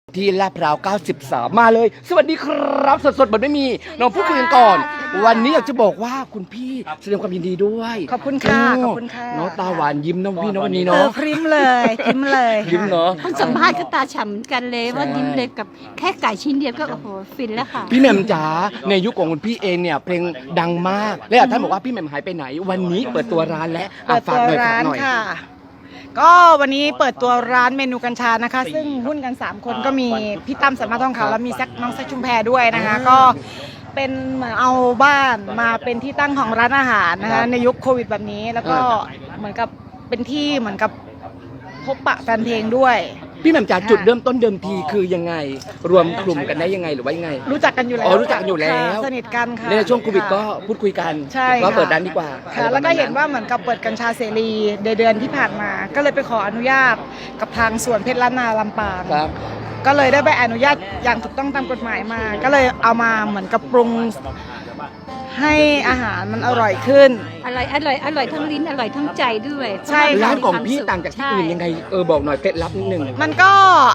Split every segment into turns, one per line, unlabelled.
ที่ลาดพร้าว 93 มาเลย สวัสดีครับ สดๆแบบไม่มีน้องพูดคุยกันก่อน วันนี้อยากจะบอกว่าคุณพี่แสดงความยินดีด้วย
ขอบคุณค่ะขอบคุณค่ะ
น้องตาหวานยิ้มน้องพี่น้องวันนี้เนาะ
พริ้มเลยพริ้มเลยค่ะ
ยิ้มเนาะ
คนสัมภาษณ์ก็ตาฉ่ำกันเลยว่ายิ้มเลยกับแค่ไก่ชิ้นเดียวก็โอ้โหฟินแล้วค่ะ
พี่แหม่มจ๋าในยุคของคุณพี่เองเนี่ยเพลงดังมากและท่านบอกว่าพี่แหม่มหายไปไหน วันนี้เปิดตัวร้านและ
เปิด
ฝา
ตั
ก
ว
หน่อยฝา
ร้าก น
หน่อย
ค่ะ ก็วันนี้เปิดตัวร้านเมนูกัญชานะคะ ซึ่งหุ้นกัน 3 คนก็มีพี่ตั้มสามารถทองขาวแล้วมีน้องแซคชุมแพรด้วยนะคะ ก็เป็นเหมือนเอาบ้านมาเป็นที่ตั้งของร้านอาหารนะคะในยุคโควิดแบบนี้ แล้วก็เหมือนกับเป็นที่เหมือนกับพบปะแฟนเพลงด้วย
พี่แหม่มจ๋าจุดเริ่มต้นเดิมทีคือยังไง รวมกลุ่มกันได้ยังไงหรือว่ายังไง
รู้จักกันอยู่แล้ว
อ๋อรู้จักกันอยู่แล้ว
ค่ะสนิทกันค่ะ
ในช่วงโควิดก็พูดคุยกัน
ใช่
ว่า
ค่ะ
เปิดร้านดีกว่า
ค่ะแล้วก็เห็นว่าเหมือนกับเปิดกัญชาเสรีในเดือนที่ผ่านมา ก็เลยไปขออนุญาตกับทางสวนเพชรล้านนาลำปาง
ครับ
ก็เลยได้ใบอนุญาตอย่างถูกต้องตามกฎหมายมา ก็เลยเอามาเหมือนกับปรุงให้อาหารมันอร่อยขึ้น
อร่อยทั้งลิ้นอร่อยทั้งใจด้วย
ใช่ค่ะ
ร้านของพี่ต่างจากที่อื่นยังไงบอกหน่อยเคล็ดลับนิดนึง
มันก็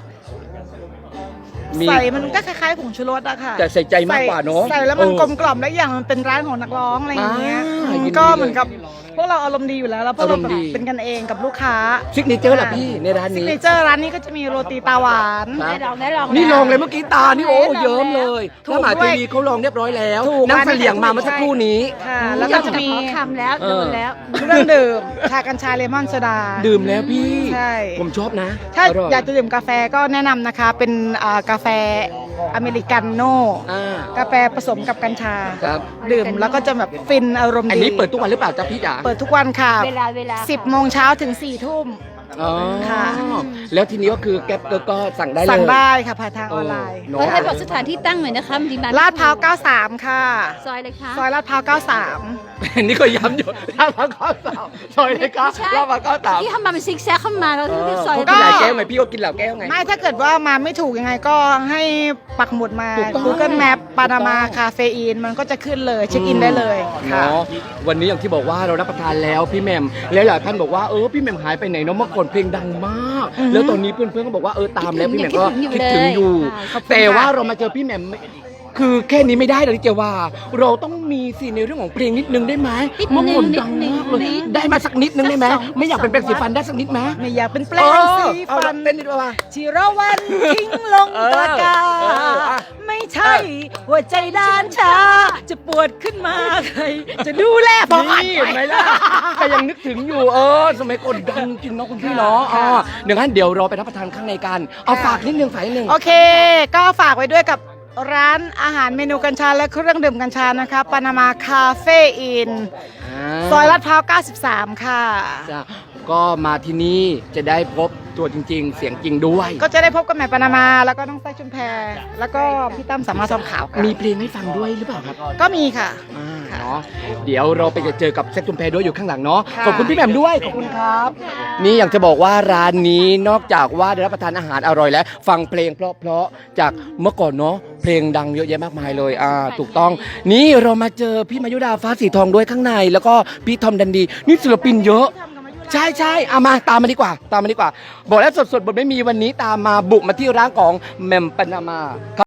มี
ใส่มันก็คล้ายๆผงชูรสอะค่ะ
แต่ใส่ใจมากกว่าเนอะ
ใส่แล้วมัน
เออ
กลมกล่อมและอย่างมันเป็นร้านของนักร้องอะไรอย่างเงี้ย
ยินดี
ก็เหมือนกับพวกเราอารมณ์ดีอยู่แล้วแล้วพวกเรา
อารมณ์
แบบ
ดี
เป็นกันเองกับลูกค้า
ซิกเนเจอร์เหรอพี่ในร้าน
ซิก
นี้
เนเจอร์ร้านนี้ก็จะมีโรตีตาหวาน
ครับ
ได้ลอง
นี่ลองเลยเมื่อกี้ตานี่โอ้เยิ้มเลย
ถูก
ถ้าหมา
ด้วย
ทีวีเขาลองเรียบร้อยแล้ว
ถูก
นั่งเสลี่ยงมาเมื่อสักครู่นี้
ค่ะ
แล้
แล้ว ว
ก็
ก็
จะ
จะ
มี
มี
คำแล้วโดนแล้ว
เครื่องดื่มชากัญชาเลมอนโซดา
ดื่มแล้วพี่
ใช่
ผมชอบนะ
ถ้า
ร่
อยากจะดื่มกาแฟก็แนะนำนะคะเป็นกาแฟอเมริกาโน่
อ่า
กาแฟผสมกับกัญชา
ครับ
ดื่มแล้วก็จะแบบฟินอารมณ์ดี
อันนี้เปิดทุกวันหรือเปล่าจ๊ะพี่จ๋า
เปิดทุกวันค่ะ
เวลา
10 โมงเช้าถึง 4 ทุ่ม
อ๋อ
ค่ะ
แล้วทีนี้ก็คือแก๊ปก็สั่งได้เลย
สั่งได้ค่ะผ่านทางออนไลน์
เน
ก็
อะ
ให้บอกสถานที่ตั้งหน่อยนะคะจริงๆ
ลาดพร้าว 93 ค่ะ
ซอยเลยค่ะ
ซอยลาดพร้าว
นี่ก็ย้ำอยู่ลาดพร้าว93ซอยเลยครับ
ไม่ใช่
ลาดพร้าว93
ที่ทำมาเป็นซิกแซกเข้ามาเราที่ซอย
เขากินหลายแก้วไงพี่ก็กินหลายแก้วไง
93 ไม่ถ้าเกิดว่ามาไม่ถูกยังไงก็ให้ปักหมุดมา
ถูกต้อง
Google Map ปานามาคาเฟอีนมันก็จะขึ้นเลยเช็คอินได้เลยค่ะ
เนาะวันนี้อย่างที่บอกว่าเรารับประทานแล้วพี่แหม่มแล้วหลายท่านบอกว่าพี่แหม่มหายไปไหนเนาะเมื่อก่อนเพลงดังมาก แล้วตอนนี้เพื่อนๆก็บอกว่าตามแล้วพี่แหม่มก็คิดถึงอยู่
ขอบคุณค่ะ
แต่ว่าเรามาเจอพี่แหม่มคือแค่นี้ไม่ได้เลยเจว่า เราต้องมีสิในเรื่องของเพลงนิดนึงได้ไหมเมื่อก่อนดังมากเลยได้มาสักนิดนึงได้ไหมไม่อยากเป็นแปรงสีฟันได้สักนิดไหม
ไม่อยากเป็นแปล
เอง อ
สี
เอา
ฟั
ละ
น
เต้นดีกว่า
ที่เราวันทิ้งลงตะกร้า
อ่ะ
ไม่ใช่หัวใจด้านชา จะปวดขึ้นมาใคร จะดูแลพออ่าน
นี่
ไป
เห็นไหมล่ะก็ยังนึกถึงอยู่สมัยก่อนดังจริงเนาะคุณพี่เนาะเดี๋ยวงั้นเดี๋ยวเราไปรับประทานข้างในกันเอาฝากนิดนึงฝากนิดนึง
โอเค ก็ฝากไว้ด้วยกับร้านอาหารเมนูกัญชาและเครื่องดื่มกัญชานะคะปานามาคาเฟ่อินซอยลาดพร้าว 93 ค่ะ
จ้ะก็มาที่นี่จะได้พบตัวจริง ๆ เสียงจริงด้วย
ก็จะได้พบกับแม่ปานามา แล้วก็น้องไส้ชุมแพแล้วก็พี่ตั้มสามารถทองขาวค่ะ
มีเพลงให้ฟังด้วยหรือเปล่าครับ
ก็มีค่ะ
เนาะเดี๋ยวเราไปเจอกับแซคจุมแพรด้วยอยู่ข้างหลังเนาะ
ค่ะ
ขอบคุณพี่แหม่มด้วยขอบคุณครับ นี่อยากจะบอกว่าร้านนี้นอกจากว่าได้รับประทานอาหารอร่อยแล้ว ฟังเพลงเพราะๆจากเมื่อก่อนเนาะเพลงดังเยอะแยะมากมายเลยถูกต้อง นี่เรามาเจอพี่มายุดาฟ้าสีทองด้วยข้างใน แล้วก็พี่ทอมดันดีนี่ศิลปินเยอะ ใช่เอามาตามมาดีกว่าบอกแล้วสดๆบทไม่มีวันนี้ตามมาบุกมาที่ร้านของแหม่มปานามา